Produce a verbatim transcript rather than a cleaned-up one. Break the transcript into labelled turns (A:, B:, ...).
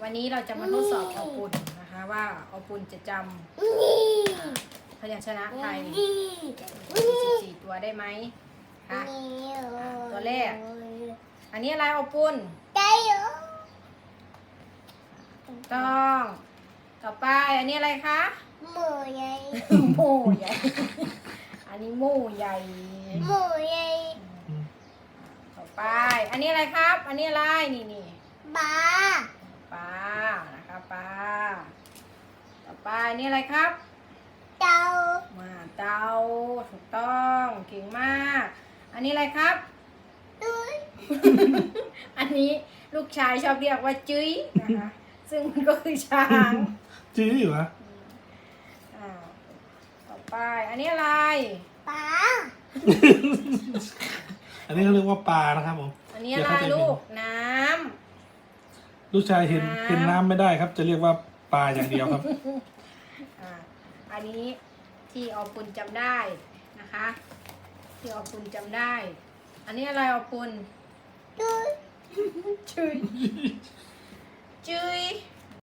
A: วันนี้เราจะมาทดสอบออปุนนะคะว่าออปุนจะจำพยัญชนะไทยสี่สิบสี่ตัวได้ไหมคะตัวแรกอันนี้อะไรออปุนต้องต่อไปอันนี้อะไรคะหมูใหญ่หมูใหญ่อันนี้หมูใหญ่หมูใหญ่ต่อไปอันนี้อะไรครับ อันนี้อะไรนี่นี่ปลาปลานะคะปลาต่อไปอันนี้อะไรครับเต่ามาเต่าถูกต้องเก่งมากอันนี้อะไรครับอันนี้ลูกชายชอบเรียกว่าจุ้ยนะคะซึ่งมันก็คือช้าง
B: จี้อยู่นะ
A: ต่อไปอันนี้อะไรปลา
B: อันนี้เขาเรียกว่าปลานะครับผม
A: อันนี้อะไรลูกน้
B: ำลูกชายเห็นเห็นน้ำไม่ได้ครับ จะเรียกว่าปลาอย่างเดียวครับ
A: อันนี้ที่ออปุนจำได้นะคะที่ออปุนจำได้อันนี้อะไรออปุนจุยจุยจุย